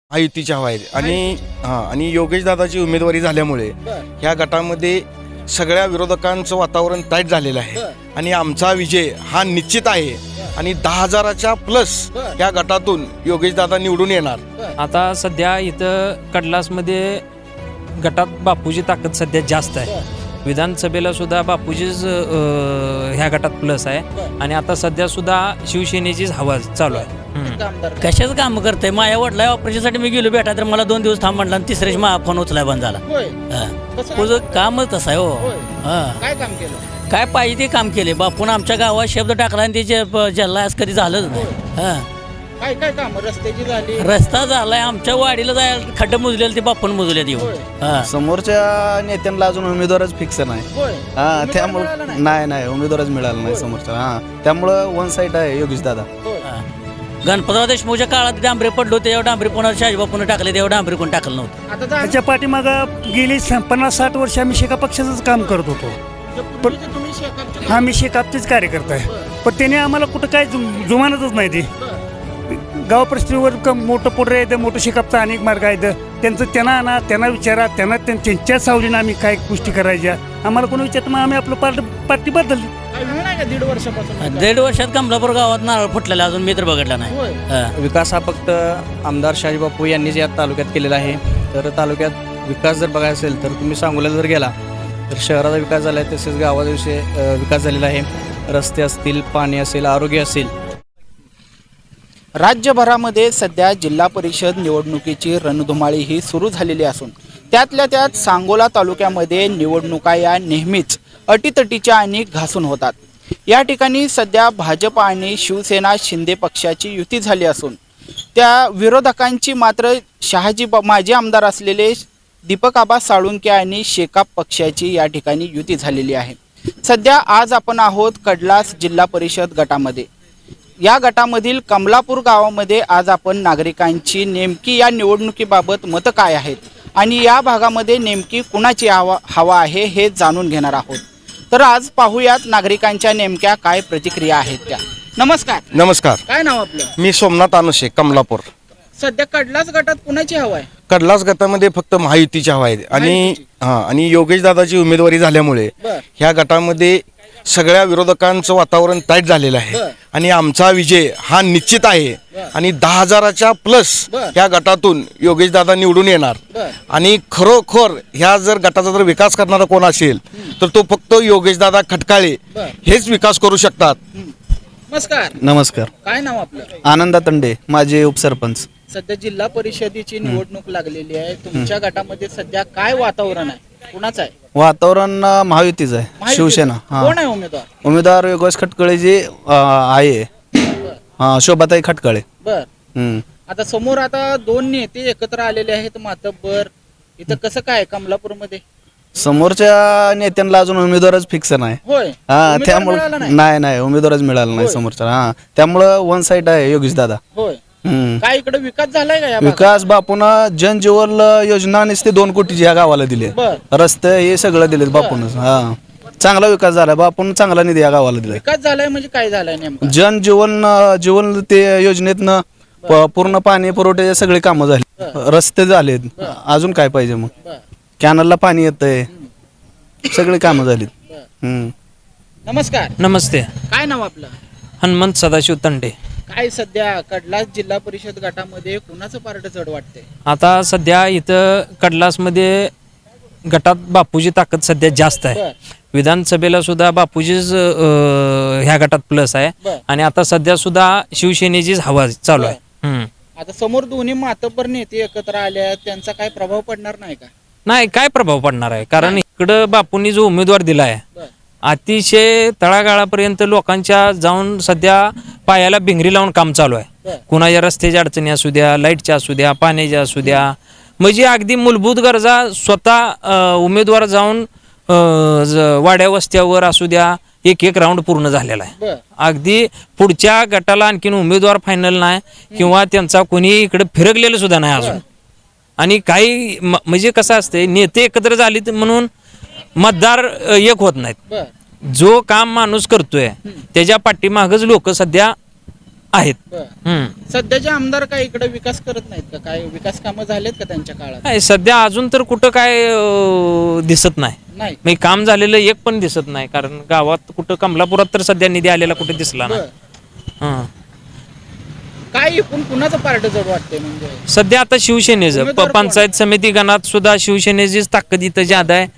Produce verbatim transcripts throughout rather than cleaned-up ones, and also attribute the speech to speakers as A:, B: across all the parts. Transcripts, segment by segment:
A: महायुतीची हवा आहे आणि हां आणि योगेश दादाची उमेदवारी झाल्यामुळे ह्या गटामध्ये सगळ्या विरोधकांचं वातावरण टाईट झालेलं आहे आणि आमचा विजय हा निश्चित आहे आणि दहा हजाराच्या प्लस या गटातून योगेश दादा निवडून येणार।
B: आता सध्या इथं कडलासमध्ये गटात बापूची ताकद सध्या जास्त आहे। विधानसभेला सुद्धा बापूजीच ह्या गटात प्लस आहे आणि आता सध्या सुद्धा शिवसेनेचीच हवा चालू आहे।
C: कशाच काम करते माझ्या वडिला ऑपरेशनसाठी मी गेलो भेटा तर मला दोन दिवस थांब म्हटला आणि तिसऱ्याच मा फोन उचलाय बंद झाला। तुझं कामच तसं आहे हो।
D: काय काम केलं?
C: काय पाहिजे ते काम केले बापून आमच्या गावात शब्द टाकला आणि त्याचे जल्ला आज कधी झालंच नाही। हा
D: काय काय काम रस्त्याची झाली?
C: रस्ता झालाय आमच्या वाडीला जायला खड्डे मुजलेले ते बापून मुजले येऊन। हा
E: समोरच्या नेत्यांना अजून उमेदवारच फिक्स नाही। हा त्यामुळे नाही नाही उमेदवारच मिळाला नाही समोरच्या। हा त्यामुळं वन साईड आहे योगेश दादा।
C: गणपतराव देशमुखच्या काळात डांबरे पडलो तेव्हा डांबरे पुन्हा शाजीबापून टाकले तेव्हा डांबरे कोण टाकलं नव्हतं।
D: आता
F: त्याच्या पाठीमागं गेली पन्नास साठ वर्ष आम्ही शेका पक्षाचंच काम करत होतो।
D: पण तुम्ही शेकापचे
F: हा मी शेकापचेच कार्यकर्ता आहे पण त्याने आम्हाला कुठं काय जुम- जुमानतच नाही ते गाव परिस्थितीवर क- मोठं पोटर आहे मोठं शेकापचा अनेक मार्ग आहेत त्यांचं त्यांना आणा त्यांना विचारा त्यांना त्यां- त्यांच्या सावलीनं आम्ही काय गोष्टी करायच्या आम्हाला कोणी विचारतं मग आम्ही आपलं पार्ट पार्टी बदलली।
D: काय वेळ नाही का दीड वर्षापासून?
C: दीड वर्षात कमलापूर गावात नारळ फुटलेला अजून मी तर बघितला नाही।
D: होय.
C: हा.
G: विकास हा फक्त आमदार शाजीबापू यांनीच या तालुक्यात केलेला आहे। तर तालुक्यात विकास जर बघायचा असेल तर तुम्ही सांगोला जर गेला तर शहराचा विकास झाला आहे तसेच गावाचा विषय अ, विकास झालेला आहे। रस्ते असतील पाणी असेल आरोग्य असेल।
D: राज्यभरामध्ये सध्या जिल्हा परिषद निवडणुकीची रणधुमाळी ही सुरू झालेली असून त्यातल्या त्यात सांगोला तालुक्यामध्ये निवडणुका या नेहमीच अटीतटीच्या आणि घासून होतात। या ठिकाणी सध्या भाजप आणि शिवसेना शिंदे पक्षाची युती झाली असून त्या विरोधकांची मात्र शहाजी माजी आमदार असलेले दीपक आबा साळुंके आणि शेकाप पक्षाची या ठिकाणी युती झालेली आहे। सध्या आज आपण आहोत कडलास जिल्हा परिषद गटामध्ये। या गटामधील कमलापूर गावामध्ये आज आपण नागरिकांची नेमकी या निवडणुकीबाबत मतं काय आहेत आणि या भागामध्ये नेमकी कुणाची हवा हवा आहे हे जाणून घेणार आहोत। तर आज पाहूयात नागरिकांच्या नेमक्या काय प्रतिक्रिया आहेत त्या। नमस्कार।
A: नमस्कार,
D: काय नाव आपलं?
A: मी सोमनाथ अनुशे कमलापूर।
D: सध्या कडलाच गटात कुणाची हवा आहे?
A: कडलास गटामध्ये फक्त महायुतीची हवा आहे आणि
D: महायुतीची.
A: हां आणि योगेश दादाची उमेदवारी झाल्यामुळे
D: बर.
A: ह्या गटामध्ये सगळ्या विरोधकांचं वातावरण टाईट झालेलं आहे
D: बर.
A: आणि आमचा विजय हा निश्चित आहे आणि दहा हजाराच्या प्लस
D: बर.
A: ह्या गटातून योगेश दादा निवडून येणार।
D: बर.
A: आणि खरोखर ह्या जर गटाचा जर विकास करणारा कोण असेल तर तो फक्त योगेश दादा खटकाळे
D: बर.
A: हेच विकास करू शकतात।
D: नमस्कार।
E: नमस्कार।
D: काय नाव आपलं?
E: आनंदा तंडे माझे उपसरपंच।
D: सध्या जिल्हा परिषदेची निवडणूक लागलेली आहे तुमच्या गटामध्ये सध्या काय वातावरण आहे? कुणाचं आहे?
E: वातावरण अ, महायुतीचं आहे
D: महायुतीचं?
E: शिवसेना। हा
D: कोण आहे उमेदवार?
E: उमेदवार योगेश खटकळे जे अ, आहे हा शोभाताई खटकळे।
D: बर।
E: हम्म.
D: आता समोर आता दोन नेते एकत्र आलेले आहेत मातब्बर इथं कसं काय कमलापूरमध्ये?
E: समोरच्या नेत्यांना अजून उमेदवारच फिक्स नाही।
D: होय।
E: हा
D: उमेदवार
E: त्यामुळे
D: मिळाला नाही?
E: नाही नाही उमेदवारच मिळाला नाही
D: होय.
E: समोरच्या। हा त्यामुळं वन साईड आहे योगेश दादा।
D: होय।
E: हम्म.
D: काय इकडे विकास झालाय का या भागात?
E: विकास बापून जनजीवन योजना नुसते दोन कोटीची ह्या गावाला दिले।
D: बर.
E: रस्ते हे सगळं दिलेत बापूनच। हा चांगला विकास झाला बापून चांगला निधी या गावाला दिलाय।
D: विकास झालाय म्हणजे काय झालंय नेमकं?
E: जन जीवन जीवन ते योजनेतनं प- पूर्ण पाणी पुरवठ्याचे सगळे कामं झाले रस्ते झालेत अजून काय पाहिजे मग
D: बर.
E: कॅनलला पाणी येतंय सगळे कामं झालीत। हम्म.
D: नमस्कार।
B: नमस्ते,
D: काय नाव आपलं?
B: हनुमंत सदाशिव तंडे।
D: काय सध्या कडलास जिल्हा परिषद गटामध्ये कुणाचं पार्ट जड वाटतंय?
B: आता सध्या इथं कडलासमध्ये गटात बापूची ताकद सध्या जास्त आहे।
D: बर.
B: विधानसभेला सुद्धा बापूजीच ह्या गटात प्लस आहे
D: बर.
B: आणि आता सध्या सुद्धा शिवसेनेचीच हवा चालू आहे। हम्म.
D: आता समोर दोन्ही मातब्बर नेते एकत्र आले त्यांचा काय प्रभाव पडणार नाही का?
B: नाही, काय प्रभाव पडणार आहे कारण इकडं बापूंनी जो उमेदवार दिला आहे
D: बर.
B: अतिशय तळागाळापर्यंत लोकांच्या जाऊन सध्या पायाला भिंगरी लावून काम चालू आहे।
D: बर.
B: कुणाच्या रस्त्याच्या अडचणी असू द्या, लाईटच्या असू द्या, पाण्याच्या असू द्या, म्हणजे अगदी मूलभूत गरजा स्वतः अ, उमेदवार जाऊन अ, ज- वाड्या वस्त्यावर असू द्या एक एक राऊंड पूर्ण झालेला आहे।
D: बर.
B: अगदी पुढच्या गटाला आणखीन उमेदवार फायनल नाही किंवा त्यांचा कोणी इकडे फिरकलेलं सुद्धा नाही अजून। आणि काही म- म्हणजे कसं असते नेते एकत्र झाले म्हणून मतदार अ, एक होत नाहीत।
D: बर.
B: जो काम माणूस करतोय त्याच्या पाठीमागच लोक सध्या आहेत.
D: बर.
B: हम्म.
D: सध्याचे आमदार काय इकडे विकास करत नाहीत का? काय विकास कामं झालेत का त्यांच्या काळात?
B: काय सध्या अजून तर कुठं काय अं, दिसत नाही.
D: नाही.
B: म्हणजे काम झालेलं एक पण दिसत नाही. कारण गावात कुठं कमलापुरात तर सध्या निधी आलेला कुठे दिसला नाही.
D: बर.
B: हं.
D: काय एकूण कुणाचं पार्ट जड वाटतंय म्हणजे?
B: सध्या आता शिवसेनेचं
D: उमेदवार
B: प-
D: कोण?
B: पंचायत समिती गणात सुद्धा शिवसेनेचीच ताकद इथं ज्यादा आहे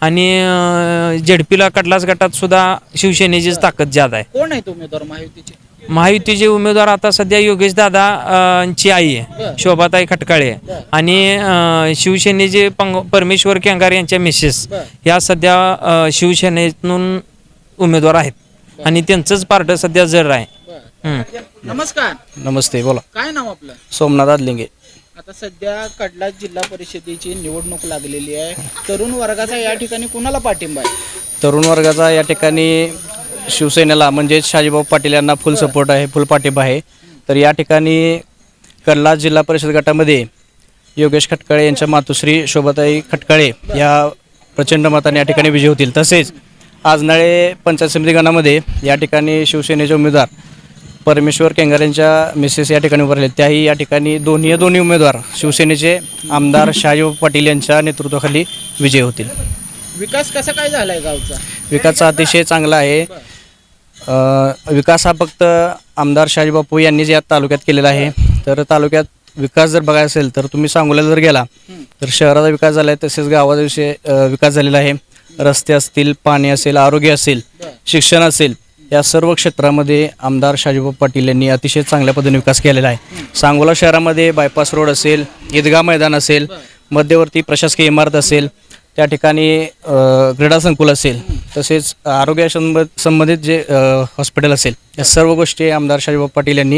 B: आणि झेडपीला कडलास गटात सुद्धा शिवसेनेचीच ताकद ज्यादा आहे.
D: कोण आहेत उमेदवार महायुतीचे?
B: महायुतीचे उमेदवार आता सध्या योगेश दादा ची आई आहे
D: बरं.
B: शोभाताई खटकाळे आहे.
D: बरं.
B: आणि अं, शिवसेनेचे पंग परमेश्वर केंगार यांच्या मिसेस
D: बरं.
B: या सध्या अं, शिवसेनेतून उमेदवार आहेत आणि त्यांचंच पार्ट सध्या जर आहे.
D: बर.
B: हम्म.
D: नमस्कार,
G: नमस्ते बोला.
D: काय नाव आपलं?
G: सोमनाथ आदलिंगे.
D: आता सध्या कडला जिल्हा परिषदेची निवडणूक लागलेली आहे. तरुण वर्गाचा या ठिकाणी कुणाला पाठिंबा आहे?
G: तरुण वर्गाचा या ठिकाणी शिवसेनेला म्हणजेच शाजीभाऊ पाटील यांना फुल सपोर्ट आहे, फुल पाठिंबा आहे. तर या ठिकाणी कडला जिल्हा परिषद गटामध्ये योगेश खटकाळे यांच्या मातुश्री शोभाताई खटकाळे या प्रचंड मताने या ठिकाणी विजयी होतील. तसेच आजनाळे पंचायत समिती गणामध्ये या ठिकाणी शिवसेनेचे उमेदवार परमेश्वर केंगार यांच्या मिसेस या ठिकाणी उभारले. त्याही या ठिकाणी दोन्ही दोन्ही उमेदवार शिवसेनेचे आमदार शाजीभाऊ पाटील यांच्या नेतृत्वाखाली विजयी होतील.
D: विकास कसा काय झालाय गावचा?
G: विकास अतिशय चांगला आहे. अ, विकास हा फक्त आमदार शाजीबापू यांनीच या तालुक्यात केलेला आहे. तर तालुक्यात विकास जर बघायचा असेल तर तुम्ही सांगोल्याला जर गेला तर शहराचा विकास झाला आहे, तसेच गावाचा विषय अ, विकास झालेला आहे. रस्ते असतील, पाणी असेल, आरोग्य असेल, शिक्षण असेल, या सर्व क्षेत्रामध्ये आमदार शाजीबापू पाटील यांनी अतिशय चांगल्या पद्धतीने विकास केलेला आहे. सांगोला शहरामध्ये बायपास रोड असेल, ईदगाह मैदान असेल, मध्यवर्ती प्रशासकीय इमारत असेल, त्या ठिकाणी अ, क्रीडा संकुल असेल, तसेच आरोग्य संबंध संबंधित जे अ, हॉस्पिटल असेल, या सर्व गोष्टी आमदार शाजीबापू पाटील यांनी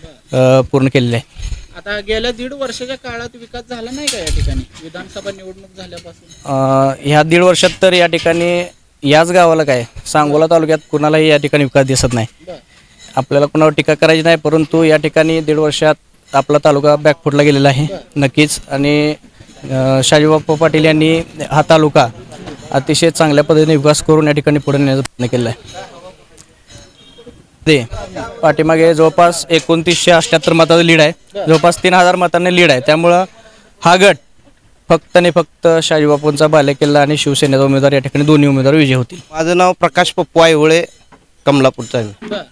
G: अ, पूर्ण केलेल्या आहे.
D: आता गेल्या दीड वर्षाच्या काळात विकास झाला नाही का या ठिकाणी विधानसभा निवडणूक झाल्यापासून?
G: अ, ह्या दीड वर्षात तर या ठिकाणी याच गावाला काय सांगोला तालुक्यात कुणालाही या ठिकाणी विकास दिसत नाही.
D: बर.
G: आपल्याला कुणावर टीका करायची नाही, परंतु या ठिकाणी दीड वर्षात आपला तालुका बॅकफुटला गेलेला आहे नक्कीच. आणि अ, शाजीबापू पाटील यांनी हा तालुका अतिशय चांगल्या पद्धतीने विकास करून या ठिकाणी पुढे नेण्याचा प्रयत्न केला आहे. ते पाठीमागे जवळपास एकोणतीसशे अठ्ठ्याहत्तर मताचं लीड आहे, जवळपास तीन हजार मतांनी लीड आहे. त्यामुळं हा गट फक्त आणि फक्त शाजीबापूंचा बालेकिल्ला आणि शिवसेनेचा उमेदवार या ठिकाणी दोन्ही उमेदवार विजयी होतील.
H: माझं नाव प्रकाश पप्पू आयवळे, कमलापूरचा आहे.
D: बर.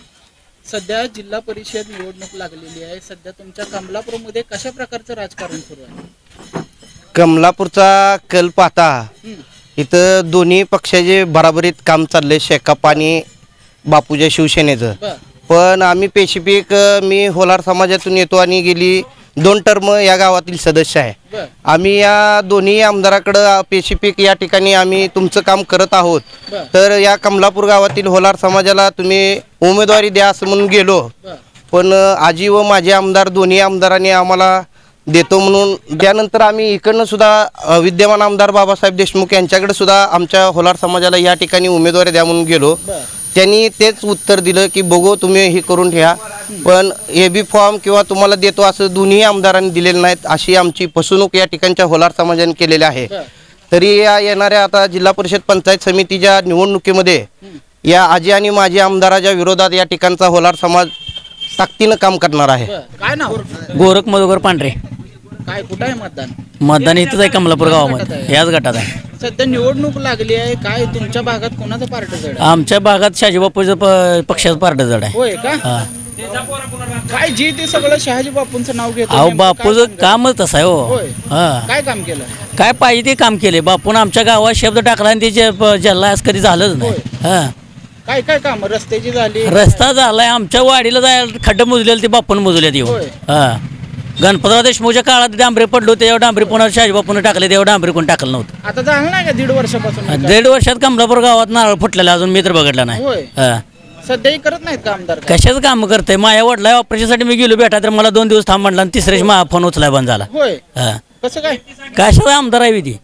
D: सध्या जिल्हा परिषद निवडणूक लागलेली आहे. सध्या तुमच्या कमलापूरमध्ये कशा प्रकारचं राजकारण सुरू आहे?
H: कमलापूरचा कल पाहता
D: हं.
H: इथं दोन्ही पक्षाचे बराबरीत काम चाललंय, शेकाप आणि बापूच्या शिवसेनेचं.
D: बर.
H: पण आम्ही पेशिफिक मी होलार समाजातून येतो आणि गेली दोन टर्म या गावातील सदस्य आहे.
D: बर.
H: आम्ही या दोन्ही आमदाराकडं पेशिफिक या ठिकाणी आम्ही तुमचं काम करत आहोत.
D: बर.
H: तर या कमलापूर गावातील होलार समाजाला तुम्ही उमेदवारी द्या असं म्हणून गेलो,
D: बर.
H: पण आजी व माझे आमदार दोन्ही आमदारांनी आम्हाला देतो म्हणून त्यानंतर आम्ही इकडनं सुद्धा अ, विद्यमान आमदार बाबासाहेब देशमुख यांच्याकडे सुद्धा आमच्या होलार समाजाला या ठिकाणी उमेदवारी द्या म्हणून गेलो.
D: बर.
H: त्यांनी तेच उत्तर दिलं की बघू तुम्ही हे करून ठेवा, पण ए बी फॉर्म किंवा तुम्हाला देतो असं दोन्ही आमदारांनी दिलेलं नाहीत. अशी आमची फसवणूक या ठिकाणच्या होलार समाजाने केलेली आहे.
D: बर.
H: तरी या येणाऱ्या आता जिल्हा परिषद पंचायत समितीच्या निवडणुकीमध्ये या आजी आणि माजी आमदाराच्या विरोधात या ठिकाणचा होलार समाज ताकदीनं काम करणार आहे.
D: बर. काय नाव?
C: गोरख मधुकर पांढरे.
D: काय कुठं आहे मतदान?
C: मतदान इथंच आहे कमलापूर गावामध्ये, याच गटात आहे.
D: सध्या निवडणूक लागली आहे. काय तुमच्या भागात कोणाचं पार्ट जड आहे?
C: आमच्या भागात शाजीबापूचं प पक्षाचं पार्ट जड आहे.
D: होय का?
C: हा.
D: काय जे ते सगळं शहाजी बापूंचं नाव घेतो.
C: अहो
D: नेमकं काय
C: बापूचं
D: सांगा?
C: कामच तसं आहे हो.
D: होय.
C: हा.
D: काय काम केलं?
C: काय पाहिजे ते काम केले बापून. आमच्या गावात शब्द टाकला आणि त्याचे प- जल्ला आज कधी झालंच नाही. हा.
D: काय काय काम? रस्त्याची झाली?
C: रस्ता झालाय, आमच्या वाडीला जायला खड्डे मुजलेले ते बापून मुजल्यात येऊन.
D: होय.
C: हा. गणपतराव देशमुखच्या काळात डांबरे पडलो त्यावर डांबरी पुन्हा शाजीबापून टाकले, त्यावर डांबरी कोण टाकलं नव्हतं.
D: आता झालं नाही का दीड वर्षापासून विकास?
C: दीड वर्षात कमलापूर गावात नारळ फुटलेला अजून मी तर बघितला नाही.
D: होय.
C: हा.
D: सध्याही करत नाहीत का आमदार?
C: कशाचं काम करते? माझ्या वडिला ऑपरेशनसाठी मी गेलो भेटा तर मला दोन दिवस थांब म्हटला आणि तिसऱ्याच माझा फोन उचलाय बंद झाला.
D: होय.
C: हा.
D: कसं काय?
C: कशाचा आमदार आहे ती?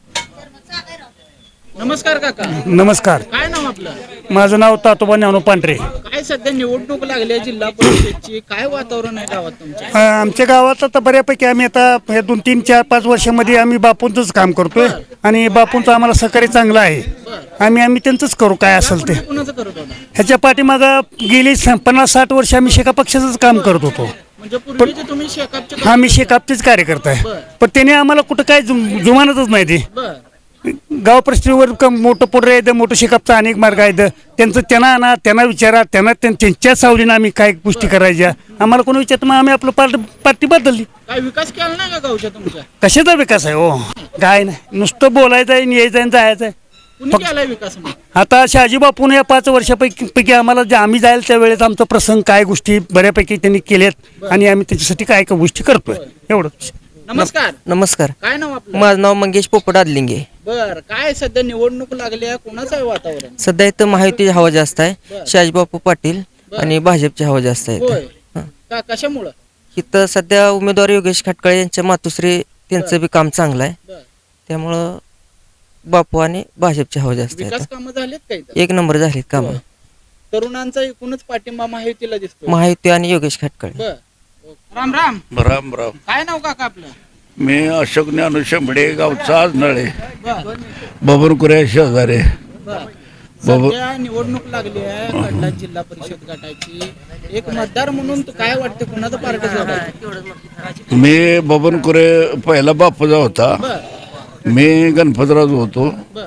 D: नमस्कार काका.
F: नमस्कार,
D: काय नाव आपलं?
F: माझं नाव तातोबा ज्ञानू पांढरे.
D: काय सध्या निवडणूक लागली आहे जिल्हा परिषदची, काय वातावरण आहे गावात तुमच्या?
F: अ, आमच्या गावात आता बऱ्यापैकी आम्ही आता हे दोन तीन चार पाच वर्षामध्ये आम्ही बापूंचंच काम करतोय आणि बापूंचं आम्हाला सहकार्य चांगलं आहे. आम्ही आम्ही त्यांचंच करू काय असेल ते.
D: कुणाचं करत होता?
F: ह्याच्या पाठीमागं गेली स- पन्नास साठ वर्ष आम्ही शेका पक्षाचंच काम करत होतो.
D: म्हणजे पूर्वीचे तुम्ही शेकापचे
F: हा मी शेकापचेच कार्यकर्ता आहे. पण त्याने आम्हाला कुठं काय जुम- जुमानतच नाही ते.
D: बर
F: गाव परिस्थितीवर क- मोठं पुढे येतं, मोठं शेकापचा अनेक मार्ग आहेत. त्यांचं त्यांना आणा, त्यांना विचारा, त्यांना त्यां- त्यांच्या सावलीनं आम्ही काय गोष्टी करायच्या. आम्हाला कोणी विचारत मग आम्ही आपलं पार्ट पार्टी बदलली.
D: काय विकास केला नाही का गावच्या तुमच्या?
F: कशाचा विकास आहे हो? काय नाही, नुसतं बोलायचं आहे, यायचं आणि जायचं आहे.
D: कुणी केलाय विकास मग?
F: आता शहाजी बापून या पाच वर्षापैकी पैकी आम्हाला जे आम्ही जायला त्या वेळेस आमचा प्रसंग काय गोष्टी बऱ्यापैकी त्यांनी केल्यात आणि आम्ही त्याच्यासाठी काय काय गोष्टी करतोय एवढंच.
D: नमस्कार,
I: नमस्कार,
D: काय नाव आपलं?
I: माझं नाव मंगेश पोपट आदलिंगे.
D: बर, काय सध्या निवडणूक लागली आहे, कोणाचं आहे वातावरण?
I: सध्या इथं महायुतीची हवा जास्त आहे. शहाजीबापू पाटील आणि भाजपची हवा जास्त आहे
D: होय.
I: इथं. हं.
D: का कशामुळं?
I: इथं सध्या उमेदवार योगेश खटकाळे यांच्या मातुश्री त्यांचं बी काम चांगलं आहे.
D: बर.
I: त्यामुळं बापू आणि भाजपची हवा जास्त आहे
D: विकास
I: इथं.
D: कामं झालीत का इथं?
I: एक नंबर झालीत काम.
D: होय. तरुणांचा एकूणच पाठिंबा महायुतीला दिसतो.
I: महायुती आणि योगेश खटकाळे.
D: बर, राम राम.
J: राम राम.
D: काय नाव काका आपलं?
J: मी अशोक ज्ञानू शेंबडे, गावचा आज नळे,
D: बर
J: बबनकुऱ्या शेजारे.
D: बर.
J: बाबा-
D: सध्या निवडणूक लागली आहे कडला जिल्हा परिषद गटाची. एक मतदार म्हणून तू काय वाटते, कुणाचं पार्ट जोडायचं?
J: मी बबनकुरे पहिला बापूजा होता.
D: बर
J: मी गणपतराज होतो.
D: बर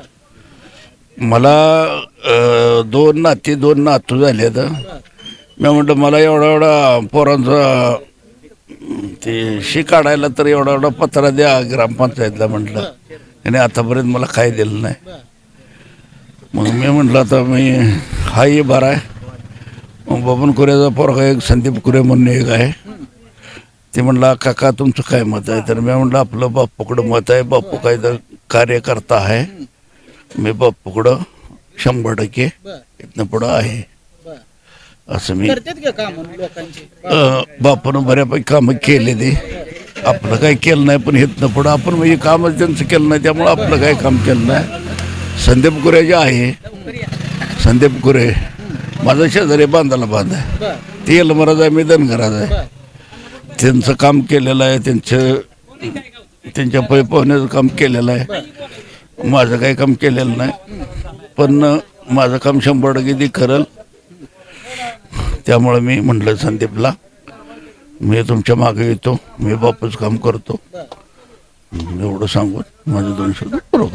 J: मला अ, दोन नाती दोन नातू झाले तर मी म्हटलं मला एवढा एवढा पोरांचा ते शी काढायला तर एवढा एवढा पत्रा द्या ग्रामपंचायतला म्हटलं. आणि आतापर्यंत मला काय दिलं नाही.
D: बर
J: मग मी म्हटलं आता मी हा ये बरा आहे. मग बबन कुऱ्याचा पोरगा एक संदीप कुरे म्हणून एक आहे. ते म्हणला काका तुमचं काय मत आहे? तर मी म्हटलं आपलं बापूकडं मत आहे. बापू काय तर कार्यकर्ता आहे. मी बापूकडं शंभर टक्के
D: बर
J: इथनं पुढं आहे
D: बर.
J: असं मी
D: करतात का काम लोकांची?
J: अ, बापूनं बऱ्यापैकी कामं केले ते. आपलं काही केलं नाही पण इथनं पुढं आपण म्हणजे कामच त्यांचं केलं नाही त्यामुळं आपलं काही काम केलं नाही. संदीप कुरे जे आहे, संदीप कुरे माझा शेजारी बांधाला बांध आहे.
D: बर
J: ते यलमराज आहे, मी धनगराज आहे.
D: बर
J: त्यांचं काम केलेलं आहे, त्यांचं त्यांच्या पै पोहण्याचं काम केलेलं आहे. माझं काही काम केलेलं नाही पण माझं काम शंभर टक्के ती करल. त्यामुळं मी म्हटलं संदीपला मी तुमच्या मागे येतो, मी बापूच काम करतो एवढं सांगून माझं दोन शब्द बरोबर.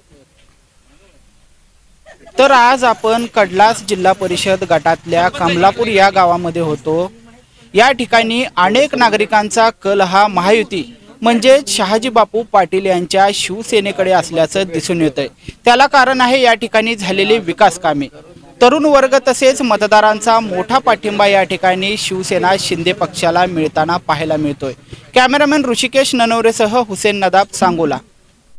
D: तर आज आपण कडलास जिल्हा परिषद गटातल्या कमलापूर या गावामध्ये होतो. या ठिकाणी अनेक नागरिकांचा कल हा महायुती म्हणजेच शहाजी बापू पाटील यांच्या शिवसेनेकडे असल्याचं दिसून येतंय. त्याला कारण आहे या ठिकाणी झालेली विकास कामे. तरुण वर्ग तसेच मतदारांचा मोठा पाठिंबा या ठिकाणी शिवसेना शिंदे पक्षाला मिळताना पाहायला मिळतोय. कॅमेरामॅन ऋषिकेश ननवरेसह हुसेन नदाब, सांगोला.